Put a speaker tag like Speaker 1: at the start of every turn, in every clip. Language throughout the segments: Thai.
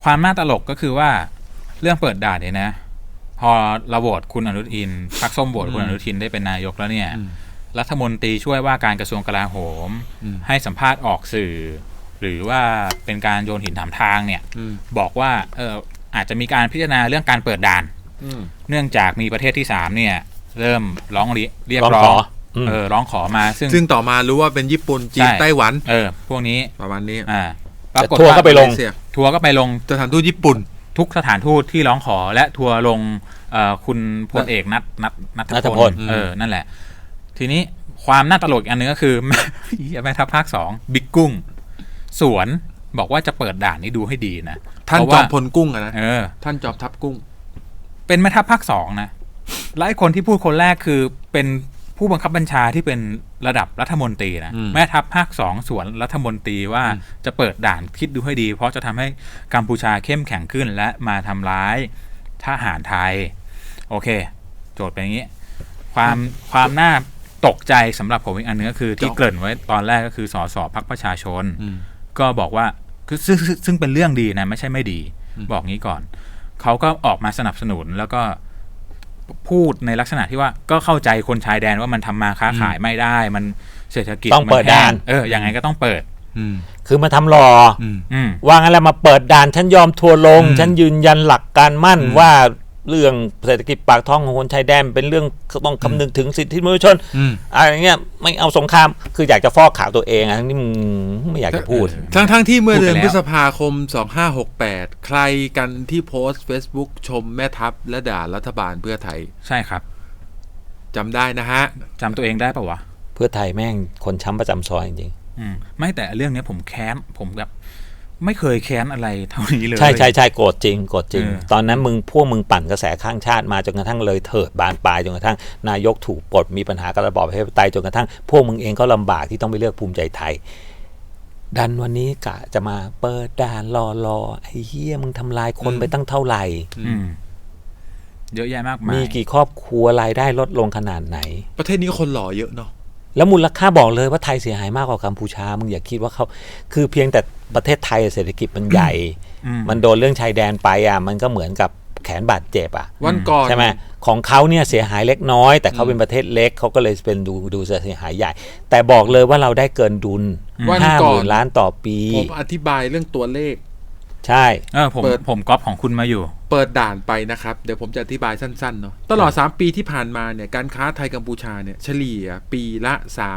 Speaker 1: ความน่าตลกก็คือว่าเรื่องเปิดด่านเนี่ยนะพอเราโหวตคุณอนุทินพรรคส้มโหวตคุณอนุทินได้เป็นนายกแล้วเนี่ยรัฐมนตรีช่วยว่าการกระทรวงกลาโหมให้สัมภาษณ์ออกสื่อหรือว่าเป็นการโยนหินถามทางเนี่ยบอกว่าอาจจะมีการพิจารณาเรื่องการเปิดด่านเนื่องจากมีประเทศที่3เนี่ยเริ่มร้องเรียกร้องร้องขอมาซึ่ง
Speaker 2: ต่อมารู้ว่าเป็นญี่ปุ่นจีนไต้หวัน
Speaker 1: พวกนี้
Speaker 2: ประมาณนี้
Speaker 1: ปรากฏ
Speaker 3: ทัวร์ก็ไปลง
Speaker 2: สถานทูตญี่ปุ่น
Speaker 1: ทุกสถานทูตที่ร้องขอและทัวร์ลงคุณพลเอกณัฐพลนั่นแหละทีนี้ความน่าตลกอันนึงก็คือแม่ทัพภาค2บิ๊กกุ้งสวนบอกว่าจะเปิดด่านนี้ดูให้ดีนะ
Speaker 2: ท่านจอมพลกุ้งนะท่านจอมทัพกุ้ง
Speaker 1: เป็นแม่ทัพภาค2นะและคนที่พูดคนแรกคือเป็นผู้บังคับบัญชาที่เป็นระดับรัฐมนตรีนะแม่ทัพภาค2สวนรัฐมนตรีว่าจะเปิดด่านคิดดูให้ดีเพราะจะทำให้กัมพูชาเข้มแข็งขึ้นและมาทำร้ายทหารไทยโอเคโจทย์เป็นอย่างนี้ความน่าตกใจสำหรับผมอีกอันนึงก็คือที่เกริ่นไว้ตอนแรกก็คือสสพรรคประชาชนก็บอกว่าคือซึ่งเป็นเรื่องดีนะไม่ใช่ไม่ดีบอกงี้ก่อนเขาก็ออกมาสนับสนุนแล้วก็พูดในลักษณะที่ว่าก็เข้าใจคนชายแดนว่ามันทำมาค้าขายไม่ได้มันเศรษฐกิจ
Speaker 3: ต้องเปิดด่าน
Speaker 1: ยังไงก็ต้องเปิด
Speaker 3: คือมาทำรอว่างั้นแล้วมาเปิดด่านฉันยอมทัวลงฉันยืนยันหลักการมั่นว่าเรื่องเศรษฐกิจปากท้องของคนชายแดนเป็นเรื่องต้องคำนึงถึงสิทธิมนุษยชนอะไรเงี้ยไม่เอาสงครามคืออยากจะฟอกขาวตัวเองทั้งที่มึงไม่อยากจะพูด
Speaker 2: ทั้งที่เมื่อเดือนพฤษภาคม2568ใครกันที่โพสต์ Facebook ชมแม่ทัพและด่ารัฐบาลเพื่อไทย
Speaker 1: ใช่ครับ
Speaker 2: จำได้นะฮะ
Speaker 1: จำตัวเองได้ป่าวะ
Speaker 3: เพื่อไทยแม่งคนช้ำประจำซอยจริง
Speaker 1: ไม่แต่เรื่องนี้ผมแค้นผมแบบไม่เคยแค้นอะไรเท่านี้เลย
Speaker 3: ใช่โกรธจริงตอนนั้นพวกมึงปั่นกระแสข้างชาติมาจนกระทั่งเลยเถิดบานปลายจนกระทั่งนายกถูกปลดมีปัญหากับระบอบประชาธิปไตยจนกระทั่งพวกมึงเองก็ลำบากที่ต้องไปเลือกภูมิใจไทยดันวันนี้กะจะมาเปิดด่านรอไอ้เหี้ยมึงทำลายคนไปตั้งเท่าไหร่
Speaker 1: เยอะแยะมากมาย
Speaker 3: มีกี่ครอบครัวรายได้ลดลงขนาดไหน
Speaker 2: ประเทศนี้คนหล่อเยอะเนาะ
Speaker 3: แล้วมูลค่าบอกเลยว่าไทยเสียหายมากกว่ากัมพูชามึงอย่าคิดว่าเขาคือเพียงแต่ประเทศไทยเศรษฐกิจมันใหญ่มันโดนเรื่องชายแดนไปมันก็เหมือนกับแขนบาดเจ็บ
Speaker 2: วันก่อน
Speaker 3: ใช่ไหมของเขาเนี่ยเสียหายเล็กน้อยแต่เขาเป็นประเทศเล็กเขาก็เลยเป็นดูเสียหายใหญ่แต่บอกเลยว่าเราได้เกินดุล 50,000 ล้านต่อปี
Speaker 2: ผมอธิบายเรื่องตัวเลข
Speaker 3: ใช่
Speaker 1: ผมก๊อปของคุณมาอยู่
Speaker 2: เปิดด่านไปนะครับเดี๋ยวผมจะอธิบายสั้นๆเนาะตลอด3ปีที่ผ่านมาเนี่ยการค้าไทยกัมพูชาเนี่ยเฉลี่ยปีละ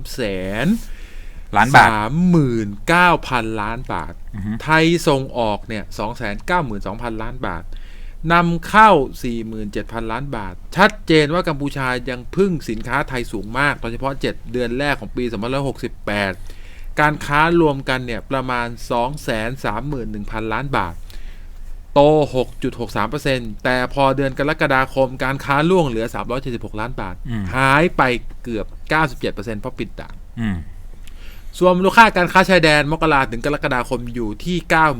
Speaker 2: 300,000 ล้านบาท 39,000 ล้านบาทไทยส่งออกเนี่ย 292,000 ล้านบาทนำเข้า 47,000 ล้านบาทชัดเจนว่ากัมพูชายังพึ่งสินค้าไทยสูงมากโดยเฉพาะ7เดือนแรกของปี2568การค้ารวมกันเนี่ยประมาณ 231,000 ล้านบาทโต 6.63% แต่พอเดือนกรกฎาคมการค้าล่วงเหลือ376ล้านบาทหายไปเกือบ 97% เพราะปิดด่านส่วนมูลค่าการค้าชายแดนมกราถึงกรกฎาคมอยู่ที่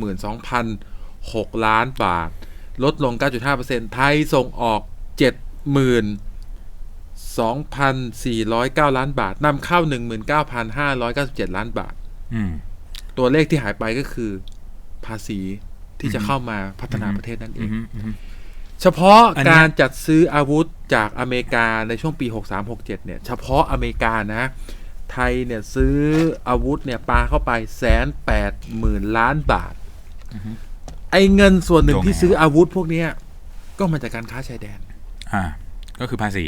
Speaker 2: 92,006 ล้านบาทลดลง 9.5% ไทยส่งออก 72,409 ล้านบาทนำเข้า 19,597 ล้านบาทตัวเลขที่หายไปก็คือภาษีที่จะเข้ามาพัฒนาประเทศนั่นเองเฉพาะการจัดซื้ออาวุธจากอเมริกาในช่วงปี 63-67 เนี่ยเฉพาะอเมริกานะไทยเนี่ยซื้ออาวุธเนี่ยปาเข้าไป 180,000 ล้านบาทไอ้เงินส่วนหนึ่งที่ซื้ออาวุธพวกนี้ก็มาจากการค้าชายแดน
Speaker 1: ก็คือภาษี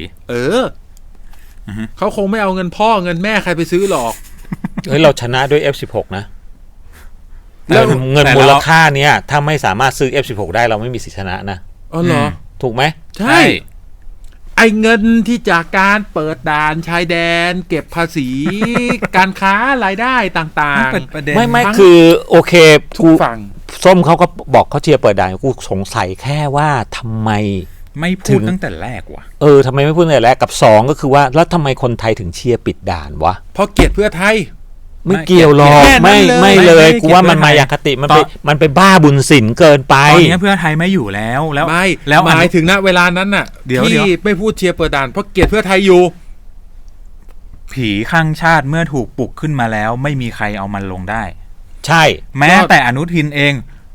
Speaker 2: เขาคงไม่เอาเงินพ่อเงินแม่ใครไปซื้อหรอก
Speaker 3: เฮ้ยเราชนะด้วย F16 นะแล้วเงินมูลค่าเนี้ยถ้าไม่สามารถซื้อ F16 ได้เราไม่มีสิทธิชนะนะ
Speaker 2: อ๋อเหรอ
Speaker 3: ถูกไหม
Speaker 2: ใช่ไอ้เงินที่จากการเปิดด่านชายแดนเก็บภาษีการค้ารายได้ต่าง
Speaker 3: ๆไม่คือโอเคทุกฝั่งส้มเขาก็บอกเขาเชียร์เปิดด่านกูสงสัยแค่ว่าทำไม
Speaker 1: ไม่พูดตั้งแต่แรกวะ
Speaker 3: ทำไมไม่พูดตั้งแต่แรกกับ2ก็คือว่าแล้วทำไมคนไทยถึงเชียร์ปิดด่านวะ
Speaker 2: เพราะเกลียดเพื่อไทย
Speaker 3: ไม่เกี่ยวหรอกไม่เลยกูว่ามันมายาคติมันไปบ้าบุญศิลป์เกินไป
Speaker 1: ตอนนี้เพื่อไทยไม่อยู่แล้ว
Speaker 2: แล้วหมายถึงณเวลานั้นน่ะที่ไม่พูดเชียร์เปิดด่านเพราะเกลียดเพื่อไทยอยู่
Speaker 1: ผีข้างชาติเมื่อถูกปลุกขึ้นมาแล้วไม่มีใครเอามันลงได้
Speaker 3: ใช่
Speaker 1: แม้แต่อนุทินเอง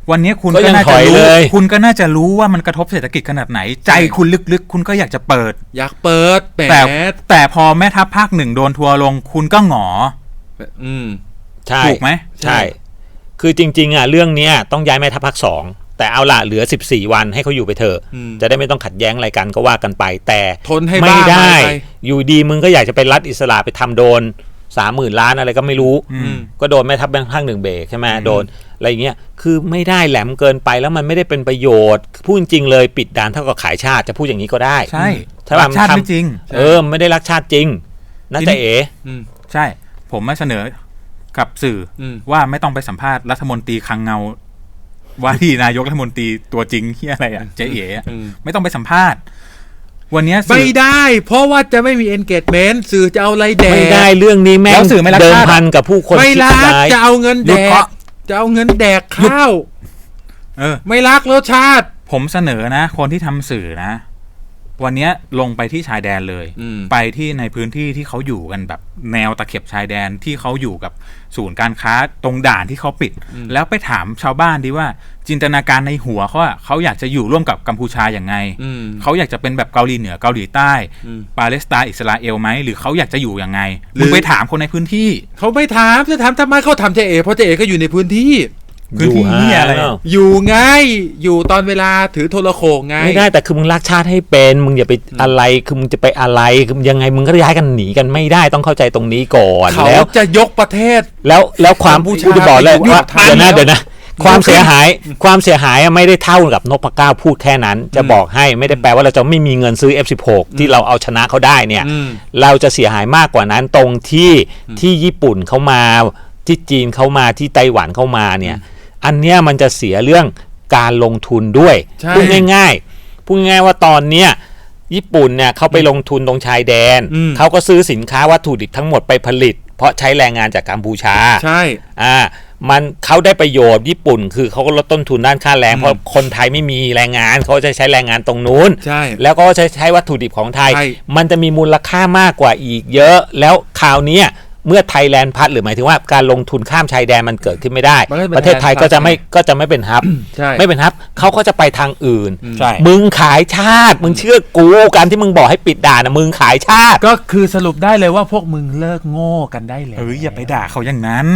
Speaker 1: วันนี้คุณ
Speaker 3: ก็
Speaker 1: ก็
Speaker 3: ยัง
Speaker 1: น่า
Speaker 3: ถ
Speaker 1: จะ
Speaker 3: อย
Speaker 1: รู้
Speaker 3: เลย
Speaker 1: คุณก็น่าจะรู้ว่ามันกระทบเศรษฐกิจขนาดไหน ใจคุณลึกๆ คุณก็อยากจะเปิด
Speaker 2: อยากเปิดแหม
Speaker 1: แต่พอแม่ทัพภาค 1โดนทัวร์ลง คุณก็หงอ
Speaker 3: ใช่
Speaker 1: ถูกไหม
Speaker 3: ใช่ คือจริงๆเรื่องเนี้ยต้องย้ายแม่ทัพภาค2แต่เอาล่ะเหลือ14วันให้เขาอยู่ไปเถอะจะได้ไม่ต้องขัดแย้งอะไรกันก็ว่ากันไปแต่
Speaker 2: ทนให้
Speaker 3: ไม่
Speaker 2: บ้า
Speaker 3: ได้
Speaker 2: ไป
Speaker 3: อยู่ดีมึงก็อยากจะไปรัฐอิสระไปทำโดน 30,000 ล้านอะไรก็ไม่รู้ ก็โดนแม่ทัพภาค 1เบรกใช่ไหมโดนอะไรอย่างเงี้ยคือไม่ได้แหลมเกินไปแล้วมันไม่ได้เป็นประโยชน์พูดจริงๆเลยปิดด่านเท่ากับขายชาติจะพูดอย่างนี้ก็ได้
Speaker 1: ใช่
Speaker 3: ใช่ป่ะ
Speaker 1: ชาติไม่จริง
Speaker 3: ไม่ได้รักชาติจริงน่าจะ
Speaker 1: ใช่ ผมมาเสนอกับสื่อว่าไม่ต้องไปสัมภาษณ์รัฐมนตรีคลังเงาว่าที่นายกรัฐมนตรีตัวจริงที่อะไรเจ๊เอ๋ไม่ต้องไปสัมภาษณ์วันนี้
Speaker 2: ไม่ได้เพราะว่าจะไม่มี engagement สื่อจะเอาอะไรแดก
Speaker 3: ไม่ได้เรื่องนี้แม่งเดิมพันกับผู้คน
Speaker 2: ไม่รักจะเอาเงินแดกจะเอาเงินแดกข้าวไม่รักรสชาติ
Speaker 1: ผมเสนอนะคนที่ทำสื่อนะวันนี้ลงไปที่ชายแดนเลยไปที่ในพื้นที่ที่เขาอยู่กันแบบแนวตะเข็บชายแดนที่เขาอยู่กับศูนย์การค้าตรงด่านที่เขาปิดแล้วไปถามชาวบ้านดีว่าจินตนาการในหัวเขาอยากจะอยู่ร่วมกับกัมพูชาอย่างไงเขาอยากจะเป็นแบบเกาหลีเหนือเกาหลีใต้ปาเลสไตน์อิสราเอลไหมหรือเขาอยากจะอยู่ยังไงหรือไปถามคนในพื้นที่
Speaker 2: เขาไม่ถามจะถามทำไมเขาทำเจเอเพราะเจเอก็อยู่ในพื้นที่
Speaker 1: พื้นที่นี่อะไร
Speaker 2: อยู่ไงอยู่ตอนเวลาถือโทรโขงไง
Speaker 3: ไม่ได้แต่คือมึงรักชาติให้เป็นมึงอย่าไปอะไรคือมึงจะไปอะไรคือยังไงมึงก็ย้ายกันหนีกันไม่ได้ต้องเข้าใจตรงนี้ก่อน
Speaker 2: แล้วจะยกประเทศ
Speaker 3: แล้วความผู้จะบอกเลยว่าเดี๋ยวนะความเสียหายไม่ได้เท่ากับนพเก้าพูดแค่นั้นจะบอกให้ไม่ได้แปลว่าเราจะไม่มีเงินซื้อ F16 ที่เราเอาชนะเขาได้เนี่ยเราจะเสียหายมากกว่านั้นตรงที่ญี่ปุ่นเขามาที่จีนเขามาที่ไต้หวันเขามาเนี่ยอันเนี้ยมันจะเสียเรื่องการลงทุนด้วยพูดง่ายๆว่าตอนเนี้ยญี่ปุ่นเนี่ยเขาไปลงทุนตรงชายแดนเขาก็ซื้อสินค้าวัตถุดิบทั้งหมดไปผลิตเพราะใช้แรงงานจากกัมพูชา
Speaker 2: ใช่
Speaker 3: มันเขาได้ประโยชน์ญี่ปุ่นคือเขาก็ลดต้นทุนด้านค่าแรงเพราะคนไทยไม่มีแรงงานเขาจะใช้แรงงานตรงนู้นแล้วก็ใช้วัตถุดิบของไทยมันจะมีมูลค่ามากกว่าอีกเยอะแล้วคราวนี้เมื่อไทยแลนด์พัดหรือหมายถึงว่าการลงทุนข้ามชายแดนมันเกิดขึ้นไม่ได้ประเทศไทยก็จะไม่เป็นฮับไม่เป็นฮับเขาก็จะไปทางอื่นมึงขายชาติมึงเชื่อกูการที่มึงบอกให้ปิดด่านนะมึงขายชาติ
Speaker 2: ก็คือสรุปได้เลยว่าพวกมึงเลิกโง่กันได้แล้ว
Speaker 1: อย่าไปด่าเขาอย่างนั้น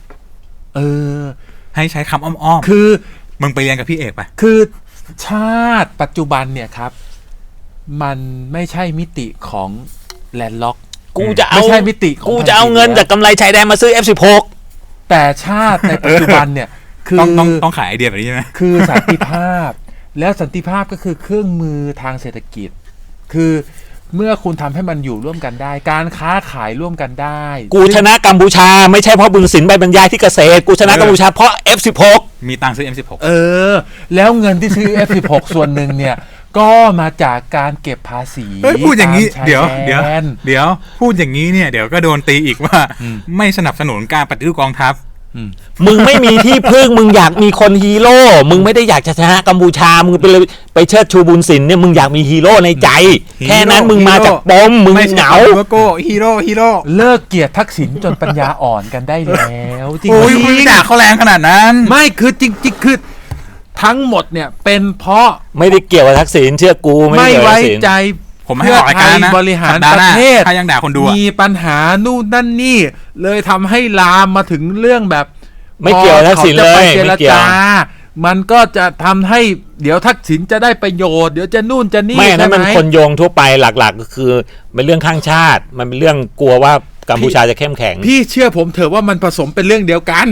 Speaker 1: ให้ใช้คำอ้อม
Speaker 2: ๆคือ
Speaker 1: มึงไปเรียนกับพี่เอกไป
Speaker 2: คือชาติปัจจุบันเนี่ยครับมันไม่ใช่มิติของแลนด์ล็อก
Speaker 3: กูจะเอา
Speaker 2: ไม่ใช่มิติ
Speaker 3: กูจะเอาเงินจากกำไรชายแดนมาซื้อ F16
Speaker 2: แต่ชาติในปัจจุบันเนี่ยคือ
Speaker 1: ต้องขายไอเดียแบบนี้ใช่ไหม
Speaker 2: คือสันติภาพแล้วสันติภาพก็คือเครื่องมือทางเศรษฐกิจคือเมื่อคุณทำให้มันอยู่ร่วมกันได้การค้าขายร่วมกันได้
Speaker 3: กูชนะกัมพูชาไม่ใช่เพราะบึงสินใบบรรยายที่เกษตรกูชนะกัมพูชาเพราะ F16
Speaker 1: มีตังค์ซื้อ M16
Speaker 2: แล้วเงินที่ซื้อ F16 ส่วนหนึ่งเนี่ยก็มาจากการเก็บภาษี
Speaker 1: พูดอย่างนี้เดี๋ยวพูดอย่างนี้เนี่ยเดี๋ยวก็โดนตีอีกว่าไม่สนับสนุนการปฏิรูปกองทัพ
Speaker 3: มึงไม่มีที่พึ่งมึงอยากมีคนฮีโร่มึงไม่ได้อยากจะชนะกัมพูชามึงไปเชิดชูบุญสินเนี่ยมึงอยากมีฮีโร่ในใจแค่นั้นมึงมาจากปมมึงเหงา
Speaker 1: ฮีโร่
Speaker 2: เลิกเกลียดทักษิณจนปัญญาอ่อนกันได้แล้ว
Speaker 1: จริงๆคุณด่าเขาแรงขนาดนั้น
Speaker 2: ไม่คือจริงๆคือทั้งหมดเนี่ยเป็นเพราะ
Speaker 3: ไม่ได้เกี่ยวกับทักษิณเชื่อกู
Speaker 2: ไม่ไว้ใจ
Speaker 1: ผมให้ออกรายการนะ
Speaker 2: บริหารประเทศ
Speaker 1: ถ้ายังด่าคนดู
Speaker 2: มีปัญหานู่นนั่นนี่เลยทำให้ลามมาถึงเรื่องแบบ
Speaker 3: ไม่เกี่ยวทักษิณเลย
Speaker 2: ไม่เกี่ยวมันก็จะทำให้เดี๋ยวทักษิณจะได้ประโยชน์เดี๋ยวจะนู่นจะนี่
Speaker 3: ไม่นั่นมันคนโยงทั่วไปหลักๆก็คือเป็นเรื่องข้างชาติมันเป็นเรื่องกลัวว่ากัมพูชาจะเข้มแข็ง
Speaker 2: พี่เชื่อผมเถอะว่ามันผสมเป็นเรื่องเดียวกัน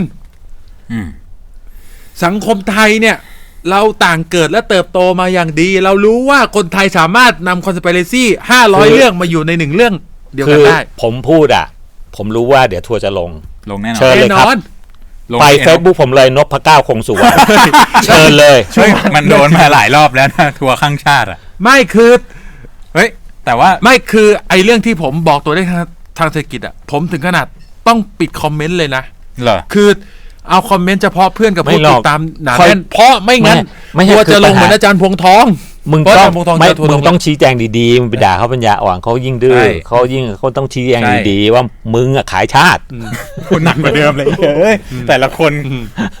Speaker 2: สังคมไทยเนี่ยเราต่างเกิดและเติบโตมาอย่างดีเรารู้ว่าคนไทยสามารถนำคอนสปิเรซี่500 เรื่องมาอยู่ใน1เรื่องเดียวกันได้
Speaker 3: ผมพูดผมรู้ว่าเดี๋ยวทัวร์จะลง
Speaker 1: แน่นอน
Speaker 3: เชิญเลยครับไป Facebook ผมเลยนพเก้าคงสุวรรณเชิญเลย
Speaker 1: มันโดนมาหลายรอบแล้วนะทัวร์ข้างชาติ
Speaker 2: ไม่คือ
Speaker 1: แต่ว่า
Speaker 2: ไม่คือไอ้เรื่องที่ผมบอกตัวได้ทางเศรษฐกิจผมถึงขนาดต้องปิดคอมเมนต์เลยนะ
Speaker 1: เหรอ
Speaker 2: คือเอาคอมเมนต์เฉพาะเพื่อนกับผู้ติดตามหนาแน่นเพราะไม่งั้นทัวร์จะลงเหมือนอาจารย์พวงทอง
Speaker 3: มึงต้องชี้แจงดีๆมึงไปด่าเขาปัญญาอ่อนเขายิ่งดื้อเขาต้องชี้แจงดีๆว่ามึงขายชาติ
Speaker 1: คุณหนักกว่าเดิมเลยแต่ละคน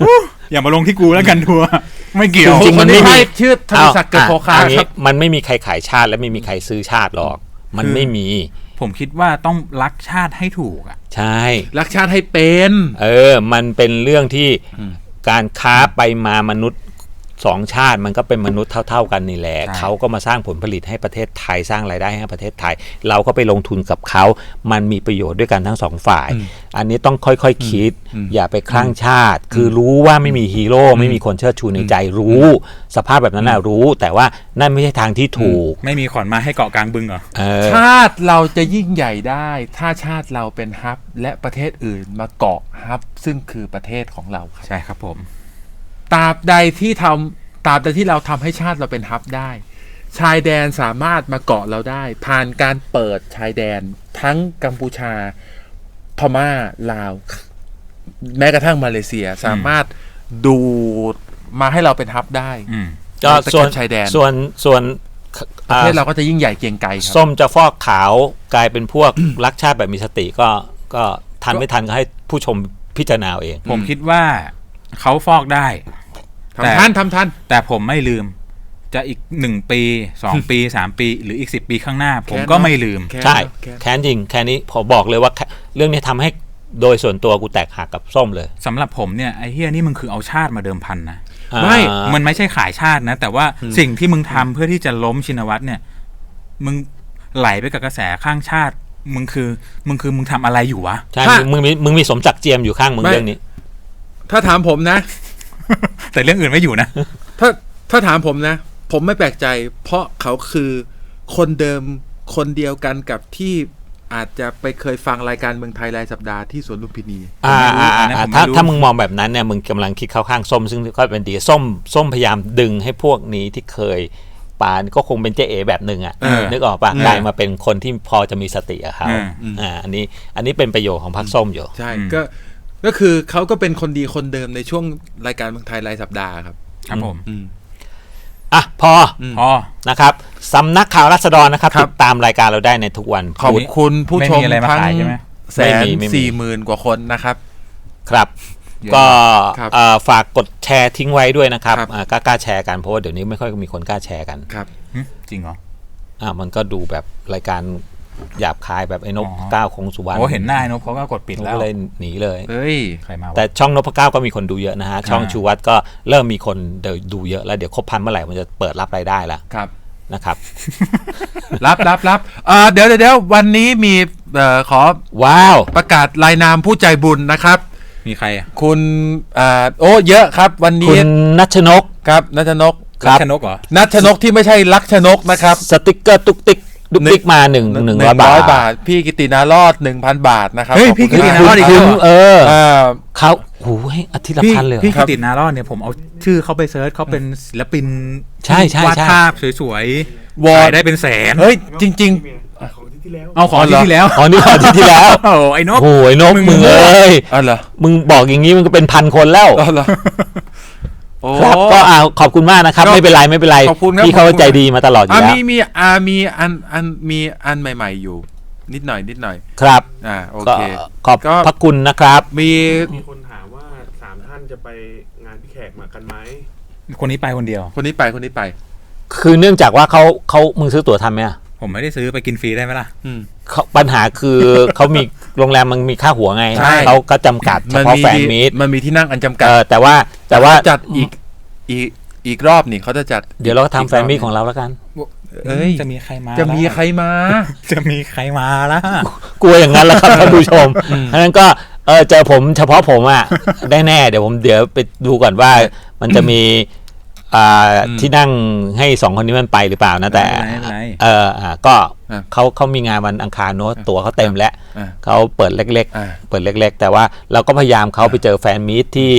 Speaker 1: อย่ามาลงที่กูแล้วกันทัวร์ไม่เกี่ยว
Speaker 3: จริงๆมันไม่มี
Speaker 2: ชื่อธนศักดิ์เกิดโพคา
Speaker 3: เอา
Speaker 2: ครับ
Speaker 3: มันไม่มีใครขายชาติและไม่มีใครซื้อชาติหรอก มันไม่มี
Speaker 1: ผมคิดว่าต้องรักชาติให้ถูกอ่ะ
Speaker 3: ใช่
Speaker 2: รักชาติให้เป็น
Speaker 3: มันเป็นเรื่องที่การค้าไปมามนุษย์สองชาติมันก็เป็นมนุษย์เท่าๆกันนี่แหละ
Speaker 1: ใช่
Speaker 3: เขาก็มาสร้างผลผลิตให้ประเทศไทยสร้างรายได้ให้ประเทศไทย เราก็ไปลงทุนกับเขามันมีประโยชน์ด้วยกันทั้งสองฝ่าย อันนี้ต้องค่อยๆคิด อย่าไปคลั่งชาติ คือรู้ว่าไม่มีฮีโร่ไม่มีคนเชิดชูในใจรู้ สภาพแบบนั้นน่ะรู้ แต่ว่านั่นไม่ใช่ทางที่ถูก
Speaker 1: ไม่มีขอนไม้ให้เกาะกลางบึงเหรอ
Speaker 2: ชาติเราจะยิ่งใหญ่ได้ ถ้าชาติเราเป็นฮับและประเทศอื่นมาเกาะฮับซึ่งคือประเทศของเราครับ
Speaker 1: ใช่ครับผม
Speaker 2: ตราบใดที่เราทำให้ชาติเราเป็นฮับได้ ชายแดนสามารถมาเกาะเราได้ ผ่านการเปิดชายแดนทั้งกัมพูชาพม่าลาว แม้กระทั่งมาเลเซียสามารถดูมาให้เราเป็นฮับได้
Speaker 3: ก็
Speaker 2: ตะ
Speaker 3: ส่
Speaker 2: เข็
Speaker 3: วน
Speaker 2: บชายแดน
Speaker 3: ส่วน
Speaker 2: ประเทศเราก็จะยิ่งใหญ่เกรียงไกรครับ
Speaker 3: ส้มจะฟอกขาวกลายเป็นพวก รักชาติแบบมีสติก็ทันไม่ทันก็ให้ผู้ชมพิจารณาเอาเอง
Speaker 1: ผมคิดว่าเขาฟอกได้
Speaker 2: ทำทัน
Speaker 1: แต่ผมไม่ลืม จะอีก1 ปี 2 ปี 3 ปีหรืออีก10 ปีข้างหน้า ผม
Speaker 2: แค้น
Speaker 1: ก็ไม่ลืม
Speaker 2: แค้น
Speaker 3: ใช่
Speaker 2: แค้น
Speaker 3: แค้นจริงแค่นี้พอบอกเลยว่าเรื่องนี้ทำให้โดยส่วนตัวกูแตกหักกับส้มเลย
Speaker 1: สำหรับผมเนี่ยไอ้เฮียนี่มึงคือเอาชาติมาเดิมพันนะ
Speaker 2: ไม่
Speaker 1: มันไม่ใช่ขายชาตินะ แต่ว่าสิ่งที่มึงทำเพื่อที่จะล้มชินวัตรเนี่ย มึงไหลไปกับกระแสข้างชาติ มึงทำอะไรอยู่วะ
Speaker 3: ใช่
Speaker 2: ถ้า
Speaker 3: มึงมีสมศักดิ์เจียมอยู่ข้างมึง
Speaker 2: ไม่
Speaker 3: เรื่องนี้
Speaker 2: ถ้าถามผมนะ
Speaker 1: แต่เรื่องอื่นไม่อยู่นะ
Speaker 2: ถ้าถามผมนะ ผมไม่แปลกใจ เพราะเขาคือคนเดิมคนเดียวกันกับที่อาจจะไปเคยฟังรายการเมืองไทยรายสัปดาห์ที่สวนลุมพินี
Speaker 1: อันนั้นผมไม่รู้
Speaker 3: ถ้ามึงมองแบบนั้นเนี่ยมึงกำลังคิดเข้าข้างส้มซึ่งก็เป็นดีส้มพยายามดึงให้พวกนี้ที่เคยปานก็คงเป็นเจ๊เอ๋แบบหนึ่งอ่ะนึกออกปะกลายมาเป็นคนที่พอจะมีสติอะเขาอันนี้เป็นประโยชน์ของพรรคส้มอยู่
Speaker 2: ใช่ก็คือเขาก็เป็นคนดีคนเดิมในช่วงรายการเมืองไทยรายสัปดาห์ครับ
Speaker 1: ครับผม
Speaker 3: อ่ะพอ
Speaker 1: พอ
Speaker 3: นะครับสำนักข่าวราษฎรนะครับ
Speaker 2: ครับ
Speaker 3: ติดตามรายการเราได้ในทุกวัน
Speaker 2: ขอบคุณผู้ชม
Speaker 1: ไม่มีอะไรมา
Speaker 2: ทั้ง
Speaker 1: ขายใช่ไหม
Speaker 2: 140,000 กว่าคนนะครับ
Speaker 3: ครับ
Speaker 1: เยอะ
Speaker 3: ก็
Speaker 2: ครับ
Speaker 3: ฝากกดแชร์ทิ้งไว้ด้วยนะครับ
Speaker 2: ครับ
Speaker 3: กล้าแชร์กันเพราะว่าเดี๋ยวนี้ไม่ค่อยมีคนกล้าแชร์กัน
Speaker 2: ครับ
Speaker 1: จริงเหรอ
Speaker 3: มันก็ดูแบบรายการหยาบคายแบบไอ้นพ
Speaker 1: อ๋อ
Speaker 3: เก้าคงสุวรรณ
Speaker 1: โอ้เห็นหน้าไอ้นพเขาก็กดปิดแล้ว
Speaker 3: ก็เลยหนีเลย
Speaker 2: เฮ้ย
Speaker 1: ใครมาวะ
Speaker 3: แต่ช่องนพเก้าก็มีคนดูเยอะนะฮะ ช่องชูวัตรก็เริ่มมีคนดูเยอะแล้วเดี๋ยวครบ 1,000 เมื่อไหร่มันจะเปิดรับรายได้แล้ว
Speaker 2: ครับ
Speaker 3: นะครับ
Speaker 2: รับเดี๋ยววันนี้มีขอ
Speaker 3: ว้าว
Speaker 2: ประกาศรายนามผู้ใจบุญนะครับ
Speaker 1: มีใครอ่ะ
Speaker 2: คุณเยอะครับ วัน
Speaker 3: คุ
Speaker 2: นี้
Speaker 3: ณนัชนก
Speaker 2: ครับนัชนก
Speaker 3: ครับ
Speaker 1: ชนกเหรอ
Speaker 2: นัชนกที่ไม่ใช่ลักชนกนะครับ
Speaker 3: สติกเกอร์ตุกติกดุกติกมา100 บาท
Speaker 2: บาท พี่กิตินารอด 1,000 บาทนะครับ
Speaker 1: เฮ้ย
Speaker 2: ขอบ
Speaker 1: พี่
Speaker 2: คุณ
Speaker 1: กิติ
Speaker 2: ม
Speaker 1: นารอดอีก
Speaker 2: ค
Speaker 1: แล้
Speaker 2: บ
Speaker 1: ว
Speaker 3: เขาโอ้โหอาทิตย์ละ
Speaker 1: พี่
Speaker 3: พันเลยเหรอ
Speaker 1: พี่กิตินารอดเนี่ยผมเอาชื่อเขาไปเซิร์ชเขาเป็นศิลปิน
Speaker 3: ใช่ใช่
Speaker 1: วาด
Speaker 3: ใช่
Speaker 1: ภาพสวย
Speaker 2: วอ
Speaker 1: ๆ
Speaker 2: ร์
Speaker 1: ขา
Speaker 2: ด
Speaker 1: ยได้เป็นแสน
Speaker 2: เฮ้ย จริง
Speaker 1: เอาของที่แล้ว
Speaker 3: อ๋อนี่อาทิตย์ที่แล้ว
Speaker 1: โอ้ไอ้นก
Speaker 3: โอ้ยนกมึงเอ้ย
Speaker 2: ๆอ๋อเหรอ
Speaker 3: มึงบอกอย่างนี้มันก็เป็นพันคนแล้ว
Speaker 2: อ๋อเหรอโอ้
Speaker 3: ครับก็ขอบคุณมากนะครับ
Speaker 2: ครับ
Speaker 3: ไม่เป็นไร
Speaker 2: ขอบคุณครับ
Speaker 3: พี่เขา
Speaker 2: ขอบคุณ
Speaker 3: ใจดีมาตลอดอยู่แล้ว
Speaker 2: มีอันใหม่ ๆอยู่ นิดหน่อย
Speaker 3: ครับ
Speaker 2: โอ
Speaker 3: ก็
Speaker 2: เค
Speaker 3: ขอบ
Speaker 2: ก็
Speaker 3: พระคุณนะครับ
Speaker 2: มี
Speaker 4: มีคนถามว่า3 ท่านจะไปงานพี่แขกมากันไหม
Speaker 1: คนนี้ไปคนเดียว
Speaker 2: คนนี้ไป
Speaker 3: คือเนื่องจากว่าเขามึงซื้อตั๋วทันไหมอะ
Speaker 1: ผมไม่ได้ซื้อไปกินฟรีได้ไหมล่ะ
Speaker 3: ปัญหาคือเขามีโรงแรมมันมีค่าหัวไง
Speaker 2: ใช่
Speaker 3: เขาก็จำกัดเฉพาะแฟนมีต
Speaker 2: มันมีที่นั่งอันจำกัด
Speaker 3: แต่ว่า
Speaker 2: จัดอีกรอบนี่เขาจะจัด
Speaker 3: เดี๋ยวเราก็ทำแฟนมีตของเราแล้วกัน
Speaker 2: เอ้ย
Speaker 1: จะมีใครมา
Speaker 2: จะมีใครมา
Speaker 1: จะมีใครมาล่ะ
Speaker 3: กลัวอย่างนั้นแหละครับ ท่านผู้ชมเพราะฉะนั้นก็เจอผมเฉพาะผมอ่ะ ได้แน่เดี๋ยวไปดูก่อนว่ามันจะมีที่นั่งให้2 คนนี้มันไปหรือเปล่านะแต่
Speaker 1: ไม่เป็นไร
Speaker 3: ก็
Speaker 2: อ่ะ
Speaker 3: เขามีงานวันอังคารโน้ตตั๋วเขาเต็มแล้ว
Speaker 2: อ่ะ
Speaker 3: เขาเปิดเล็ก
Speaker 2: อ่ะ
Speaker 3: ๆ เปิดเล็ก ๆ แต่ว่าเราก็พยายามเขาไปเจอแฟนมีตที่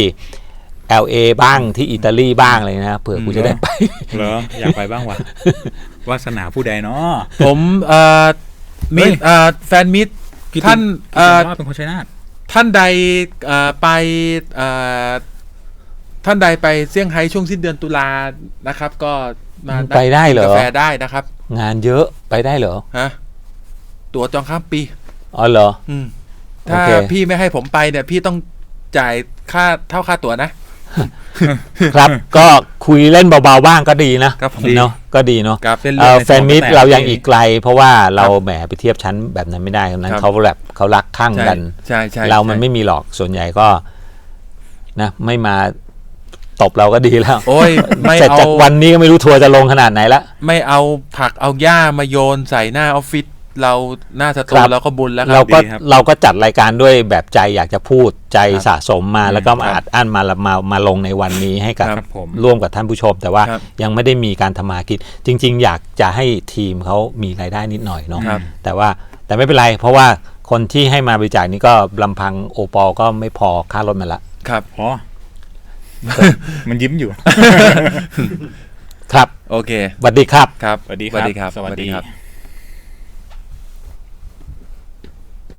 Speaker 3: LA บ้างที่อิตาลีบ้างเลยนะเผื่อกูจะได้ไป
Speaker 1: เหรออยากไปบ้างวะวาสนาผู้ใดเนาะ
Speaker 2: ผมมีแฟนมิตรท่าน
Speaker 1: เป็นคนชัยนาท
Speaker 2: ท่านใดไปท่านใดไปเซี่ยงไฮ้ช่วงสิ้นเดือนตุลานะครับ ก็มา
Speaker 3: ไปได้เหรอ
Speaker 2: กาแฟได้นะครับ
Speaker 3: งานเยอะไปได้เหรอ
Speaker 2: ฮะตั๋วจองข้ามปี
Speaker 3: อ๋อเหรอ
Speaker 2: ถ้า
Speaker 3: โอเค
Speaker 2: พี่ไม่ให้ผมไปเนี่ยพี่ต้องจ่ายค่าเท่าค่าตั๋วนะ
Speaker 3: ครับ ก็คุยเล่นเบาๆบ้างก็ดีนะครับ
Speaker 2: ผม
Speaker 3: เนาะก็ดีเนาะ
Speaker 2: ครับ
Speaker 1: เส้นเลือดใน
Speaker 3: แฟนมิตร
Speaker 1: สมองแตก
Speaker 3: เรายังอีกไกล เพราะว่าเราแหมไปเทียบชั้นแบบนั้นไม่ได้นั้น
Speaker 2: ครับ
Speaker 3: เขาแบบเขารักข้างกัน
Speaker 2: ใช่ใช่
Speaker 3: เรามันไม่มีหรอกส่วนใหญ่ก็นะไม่มาตบเราก็ดีแล้ว
Speaker 2: โอ้ยไม่
Speaker 3: เสร็จ
Speaker 2: เอา
Speaker 3: จากวันนี้ก็ไม่รู้ทัวร์จะลงขนาดไหนละ
Speaker 2: ไม่เอาผักเอาหญ้ามาโยนใส่หน้าออฟฟิศเราหน้าสตู
Speaker 3: ครับ
Speaker 2: เราก็บุญแล้วค
Speaker 3: เรา
Speaker 2: รับ
Speaker 3: ก็
Speaker 1: ดีครับ
Speaker 3: เราก็จัดรายการด้วยแบบใจอยากจะพูดใจ
Speaker 2: ครับ
Speaker 3: สะสมมาแล้วก็มา
Speaker 2: ครับ
Speaker 3: อัดอั้นมาลงในวันนี้ให้กับ
Speaker 1: ครับผม
Speaker 3: ร่วมกับท่านผู้ชม แต่ว่า
Speaker 2: ครับ
Speaker 3: ยังไม่ได้มีการทำมาหากินจริง ๆ อยากจะให้ทีมเขามีรายได้นิดหน่อยเนาะ
Speaker 2: ครับ
Speaker 3: แต่ไม่เป็นไร เพราะว่าคนที่ให้มาบริจาคนี้ก็ลำพังโอปอก็ไม่พอค่ารถมันละ
Speaker 2: ครับ
Speaker 1: พอ มันยิ้มอยู่
Speaker 3: ครับ
Speaker 2: โอเค
Speaker 3: สวัสดีครับ
Speaker 2: ครับ
Speaker 1: สวัสดีครับ
Speaker 2: สวัสดีครับ
Speaker 1: สวัสดี
Speaker 2: สวัสดีครับ